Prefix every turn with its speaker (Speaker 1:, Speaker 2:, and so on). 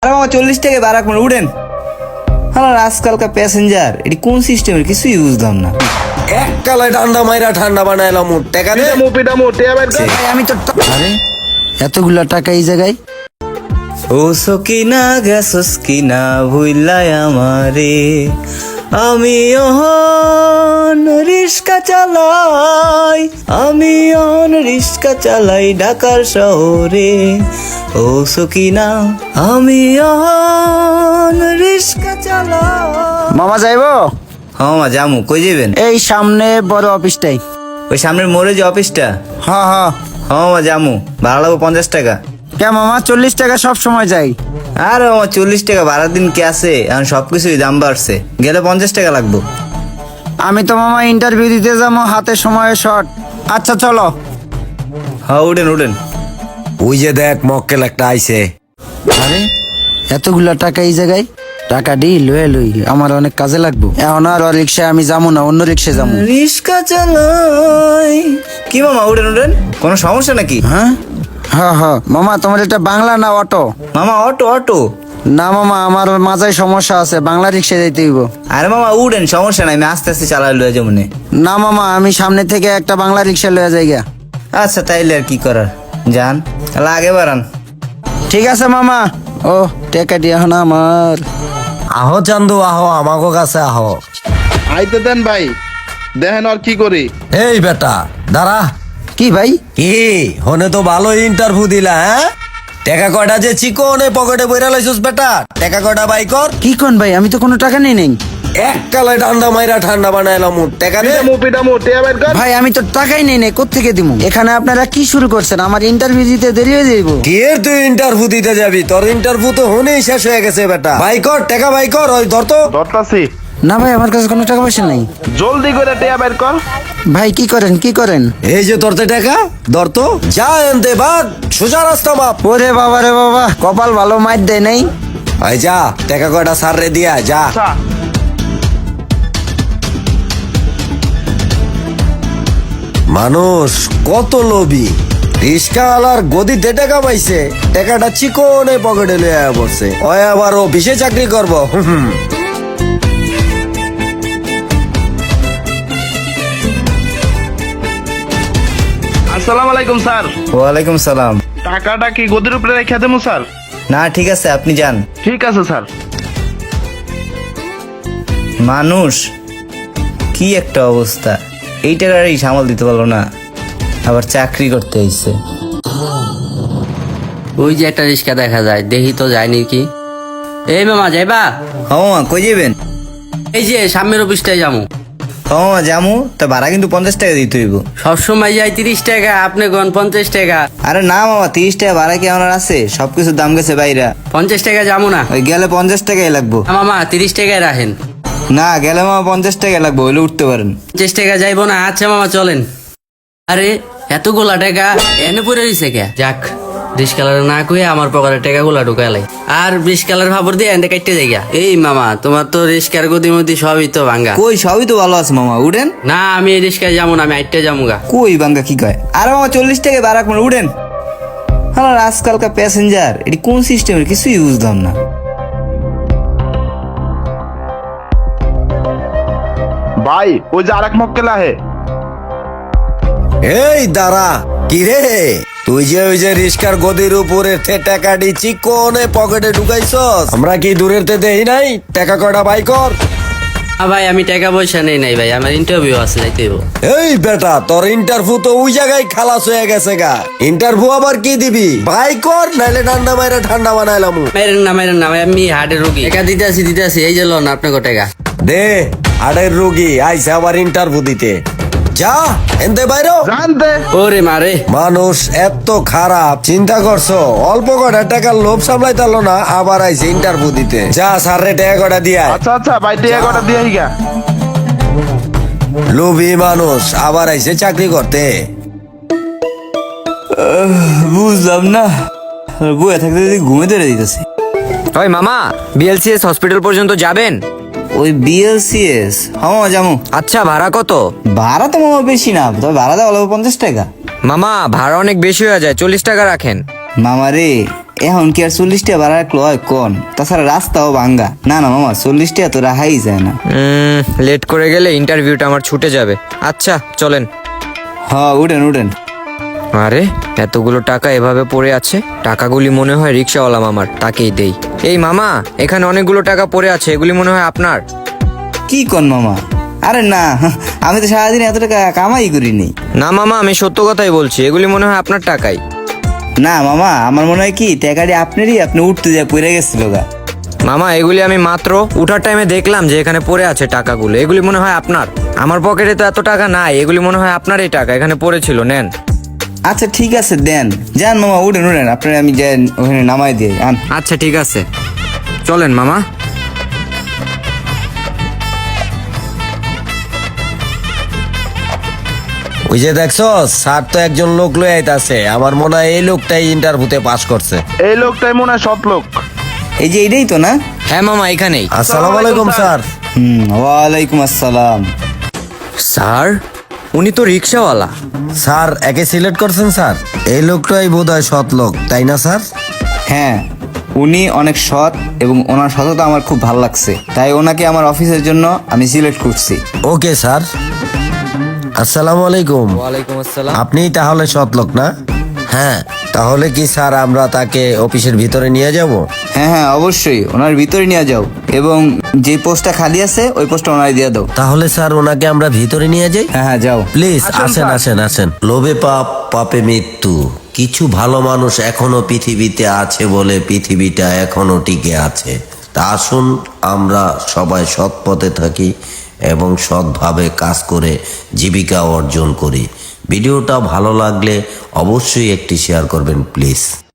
Speaker 1: আর মামা 40 টাকা বাড়াক মানে উঠেন। হ্যাঁ আজকালকার প্যাসেঞ্জার এটি কোন সিস্টেমের কিছুই বুঝলাম না।
Speaker 2: এক কালায় ঠান্ডা মাইরা ঠান্ডা বানাইলাম টাকা দে।
Speaker 3: ভাই আমি তো আরে এতগুলা টাকা এই জায়গায়
Speaker 1: ও সকিনা গেছস কিনা ভুইলাই আমারে, আমি অহন রিস্কা চালাই, আমি অহন রিস্কা চালাই ঢাকার শহরে। ও সকিনা আমি অহন রিস্কা চালাই।
Speaker 3: মামা যাইবো?
Speaker 1: হ্যাঁ মামা জামু। কই যাবেন?
Speaker 3: এই সামনে বড় অফিসটাই।
Speaker 1: ওই সামনের মোড়ে যে অফিসটা?
Speaker 3: হ্যাঁ হ্যাঁ।
Speaker 1: হ্যাঁ মামা জামু, ভাড়া লাগবো 50 টাকা।
Speaker 3: কে মামা 40 টাকা সব সময় যাই।
Speaker 1: আর মামা 40 টাকা ভাড়ার দিন কে আছে, এখন সবকিছুই দাম বাড়ছে, গেলে 50 টাকা লাগবো।
Speaker 3: আমি তো মামা ইন্টারভিউ দিতে যাবো, হাতে সময় শর্ট। আচ্ছা চলো।
Speaker 1: হ্যাঁ উঠেন উঠেন।
Speaker 2: ওই যে দেখ মক্কেল একটা আইছে।
Speaker 3: আরে এতগুলা টাকা এই জায়গায়, টাকা দি লয়ে লই, আমার অনেক কাজে লাগবো। এখন আর রিক্সায় আমি যাবো না, অন্য রিক্সায় যাবো।
Speaker 1: রিস্কা চালাই। কি মামা উঠেন উঠেন, কোনো সমস্যা নাকি?
Speaker 3: হ্যাঁ হ্যাঁ হ্যাঁ। মামা তোমার এটা বাংলা না অটো?
Speaker 1: মামা অটো অটো।
Speaker 3: না মামা আমার মাথায় সমস্যা আছে, বাংলা রিক্সায় যাইতে হইব।
Speaker 1: আরে মামা উঠেন, সমস্যা নাই, আমি আস্তে আস্তে চালাই লয়ে যাবো নে।
Speaker 3: না মামা আমি সামনে থেকে একটা বাংলা রিক্সা লয়ে যাই গা।
Speaker 1: আচ্ছা তাইলে আর কি করার, যান তাহলে আগে বাড়ান।
Speaker 3: ঠিক আছে মামা। ও টাকা দিয়া না আমার।
Speaker 2: আহো চান্দু আহো, আমাকে কাছে আহো।
Speaker 4: আইতে দেন ভাই, দেখেন আর কি করি।
Speaker 2: এই বেটা দাঁড়া।
Speaker 3: কি ভাই?
Speaker 2: কি হনে তো ভালো ইন্টারভিউ দিলা, হ্যাঁ? টাকা কয়টা যে চিকনে পকেটে বইরা লাইছস বেটা, টাকা কয়টা বাই কর।
Speaker 3: কি কোন ভাই, আমি তো কোনো টাকা নেই নেই।
Speaker 2: এক কালায় ঠান্ডা মাইরা ঠান্ডা বানাইলাম টাকা দে।
Speaker 3: ভাই আমি তো টাকাই নেই নেই, কোত্থেকে দিমু? এখানে আপনারা কি শুরু করছেন? আমার ইন্টারভিউ দিতে দেরি হয়ে যাইব।
Speaker 2: কি এর তুই ইন্টারভিউ দিতে যাবি? তোর ইন্টারভিউ তো হনেই শেষ হয়ে গেছে বেটা। বাই কর টাকা বাই কর, ওই ধর তো।
Speaker 4: ধরতাছি,
Speaker 3: না ভাই আমার কাছে কোনো টাকা পয়সা নাই।
Speaker 4: জলদি করে টিয়া বের কর।
Speaker 3: ভাই কি করেন কি করেন?
Speaker 2: এই যে তোরতে টাকা ধর তো, যা এনতে বাদ, সোজা রাস্তা মাপ।
Speaker 3: ওরে বাবা রে বাবা, কপাল ভালো, মাইর দেয় নাই।
Speaker 2: ভাই যা টাকা কয়টা সার রে দিয়া যা।
Speaker 4: আচ্ছা,
Speaker 2: মানুষ কত লোভী, রিস্কাওয়ালার গদিতে টাকা পাইছে, টাকাটা চিকনে পকেটে লয়ে পড়ছে। ওই আবার অফিসে চাকরি করবো।
Speaker 4: আসসালামু আলাইকুম স্যার।
Speaker 1: ওয়ালাইকুম সালাম।
Speaker 4: টাকাটা কি গদির উপরে রেখে দেবো স্যার?
Speaker 1: না ঠিক আছে, আপনি যান।
Speaker 4: ঠিক আছে স্যার।
Speaker 1: মানুষ কি একটা অবস্থা, এই টাকারই সামাল দিতে পারলো না, আবার চাকরি করতে হইছে।
Speaker 5: ওই যে একটা রিক্সা দেখা যায়, দেখি তো যায়নি কি। এই মামা যাইবা?
Speaker 1: হ্যাঁ মামা কই যাবেন?
Speaker 5: এই যে সামনের অফিসটাই যাবো।
Speaker 1: হ্যাঁ মামা যামু, তা ভাড়া কিন্তু 50 টাকা দিতে হইব।
Speaker 5: সবসময় যাই 30 টাকা, আপনি গন 50 টাকা।
Speaker 1: আরে না মামা 30 টাকা ভাড়া কি আমার আছে? সবকিছুর দাম গেছে বাইরা।
Speaker 5: 50 টাকা যাবো না।
Speaker 1: ওই গেলে 50 টাকাই লাগবো।
Speaker 5: না মামা 30 টাকায় রাখেন।
Speaker 1: না গেলে মামা 50 টাকা লাগবো, হইলে উঠতে পারেন।
Speaker 5: 50 টাকা যাইবো না? আচ্ছা মামা চলেন। আরে এতগুলা টাকা এনে পড়ে দিছে কে? যাক রিস্কালার না কয়ে আমার পকেটে টাকা গুলা ঢুকালাই, আর রিস্কালার ভাবর দিয়ে এনে কাটতে যাইগা। এই মামা তোমার তো রিস্কার গদি মদি সবই তো ভাঙ্গা।
Speaker 1: কই সবই তো ভালো আছে মামা, উঠেন।
Speaker 5: না আমি এই রিস্কায় যাবো না, আমি আইটটা যাবো গা।
Speaker 1: কই বাঙ্গা কি কয়? আরে মামা 40 টাকা বাড়াক মানে উঠেন। হ্যাঁ আজকালকার প্যাসেঞ্জার এটি কোন সিস্টেমের কিছুই বুঝলাম না।
Speaker 4: ভাই ওই যে আরেক মক্কেল আহে।
Speaker 2: এই দাঁড়া, কি রে তুই যে ওই যে রিস্কার গদির উপরে টাকা দি চিকনে পকেটে ঢুকাইছস, আমরা কি দূরের তে দেই নাই? টাকা কয়টা বাই কর।
Speaker 5: ভাই আমি টাকা পয়সা নেই নাই ভাই, আমার ইন্টারভিউ আছে, যাইতে হইব।
Speaker 2: এই বেটা তোর ইন্টারভিউ তো ওই জায়গায় খালাস হয়ে গেছে গা, ইন্টারভিউ আবার কি দিবি? বাই কর, নাইলে ঠান্ডা মাইরা ঠান্ডা বানাইলাম।
Speaker 5: মেরেন না ভাই, আমি হার্টের রোগী। টাকা দিতে আসি, এই যে লোন আপনাকে টাকা
Speaker 2: দে। আড়ের রোগী আইসে আবার ইন্টারভিউ দিতে, যা এনতে বাইরো।
Speaker 4: জানতে
Speaker 5: ওরে মারে।
Speaker 2: মানুষ এত খারাপ, চিন্তা করছো? অল্প কটা টাকার লোভ সামলাইতালো না, আবার আইসে ইন্টারভিউ দিতে। যা স্যার রে টাকা কটা দিয়া।
Speaker 4: আচ্ছা আচ্ছা ভাই টিয়া কটা দিয়ে গা।
Speaker 2: লোভী মানুষ আবার আইসে চাকরি করতে।
Speaker 1: বুঝলাম না, বয়ে থাকতে যদি ঘুমে ধরে দিতেছে।
Speaker 6: ওই মামা বিএলসিএস হসপিটাল পর্যন্ত যাবেন?
Speaker 1: ওই বিএলসিএস? হ্যাঁ মামা যাবো।
Speaker 6: আচ্ছা ভাড়া কত?
Speaker 1: ভাড়া তো মামা বেশি না, তবে ভাড়া দেওয়া লাগবে 50 টাকা।
Speaker 6: মামা ভাড়া অনেক বেশি হয়ে যায়, 40 টাকা রাখেন।
Speaker 1: মামা রে এখন কি আর 40 টাকা ভাড়া রাখলো হয় কোন? তাছাড়া রাস্তাও ভাঙ্গা। না না মামা, 40 টাকা তো রাখাই যায় না।
Speaker 6: লেট করে গেলে ইন্টারভিউটা আমার ছুটে যাবে। আচ্ছা চলেন।
Speaker 1: হ্যাঁ উঠেন উঠেন।
Speaker 6: আরে এতগুলো টাকা এভাবে পড়ে আছে, টাকাগুলি মনে হয় রিক্সাওয়ালা মামার, তাকেই দেই। এই মামা, এখানে অনেকগুলো টাকা পড়ে আছে, এগুলি মনে হয় আপনার।
Speaker 1: কি কোন মামা? আরে না, আমি তো সারাদিন এত টাকা কামাই করিনি।
Speaker 6: না মামা, আমি সত্য কথাই বলছি, এগুলি মনে হয় আপনার টাকাই।
Speaker 1: না মামা, আমার মনে হয় কি টাকাটি আপনারই, আপনি উঠতে যা পড়ে গেছিল গা।
Speaker 6: মামা এগুলি আমি মাত্র উঠার টাইমে দেখলাম যে এখানে পড়ে আছে টাকাগুলো, এগুলি মনে হয় আপনার। আমার পকেটে তো এত টাকা নাই, এগুলি মনে হয় আপনারই টাকা, এখানে পড়েছিল, নেন।
Speaker 1: আচ্ছা ঠিক আছে দেন, যান মামা উঠেন উঠেন, আপনার আমি যাই ওখানে নামাই দিয়ে আন।
Speaker 6: আচ্ছা ঠিক আছে, চলেন মামা।
Speaker 2: ওই যে দেখছো স্যার তো একজন লোক লয়ে আইতাছে, আমার মনে হয় এই লোকটাই ইন্টারভিউতে পাস করছে।
Speaker 4: এই লোকটাই মনে হয় সৎ লোক।
Speaker 1: এই যে এইটাই তো না?
Speaker 6: হ্যাঁ মামা এখানেই।
Speaker 2: আসসালামু আলাইকুম স্যার।
Speaker 1: ওয়ালাইকুম আসসালাম।
Speaker 6: স্যার, উনি তো রিক্সাওয়ালা।
Speaker 2: স্যার একে সিলেক্ট করছেন স্যার? এই লোকটাই বোধহয় সৎ লোক, তাই না স্যার?
Speaker 1: হ্যাঁ, উনি অনেক সৎ এবং ওনার সততা আমার খুব ভালো লাগছে, তাই ওনাকে আমার অফিসের জন্য আমি সিলেক্ট করছি।
Speaker 2: Okay sir. আসসালামু আলাইকুম।
Speaker 6: ওয়ালাইকুম আসসালাম।
Speaker 2: আপনি তাহলে সৎ লোক না? হ্যাঁ, তাহলে কি স্যার আমরা তাকে অফিসের ভিতরে নিয়ে যাব?
Speaker 1: হ্যাঁ হ্যাঁ অবশ্যই, ওনার ভিতরে নিয়ে যাও এবং যে পোস্টটা খালি আছে ওই পোস্টটা ওনার দিয়ে দাও।
Speaker 2: তাহলে স্যার ওনাকে আমরা ভিতরে নিয়ে যাই?
Speaker 1: হ্যাঁ হ্যাঁ যাও।
Speaker 2: প্লিজ আসেন আসেন আসেন। লোভে পাপ, পাপে মৃত্যু। কিছু ভালো মানুষ এখনো পৃথিবীতে আছে বলে পৃথিবীটা এখনো টিকে আছে। তা আসুন আমরা সবাই সৎ পথে থাকি এবং সৎভাবে কাজ করে জীবিকা অর্জন করি। ভিডিওটা ভালো লাগলে অবশ্যই একটি শেয়ার করবেন প্লিজ।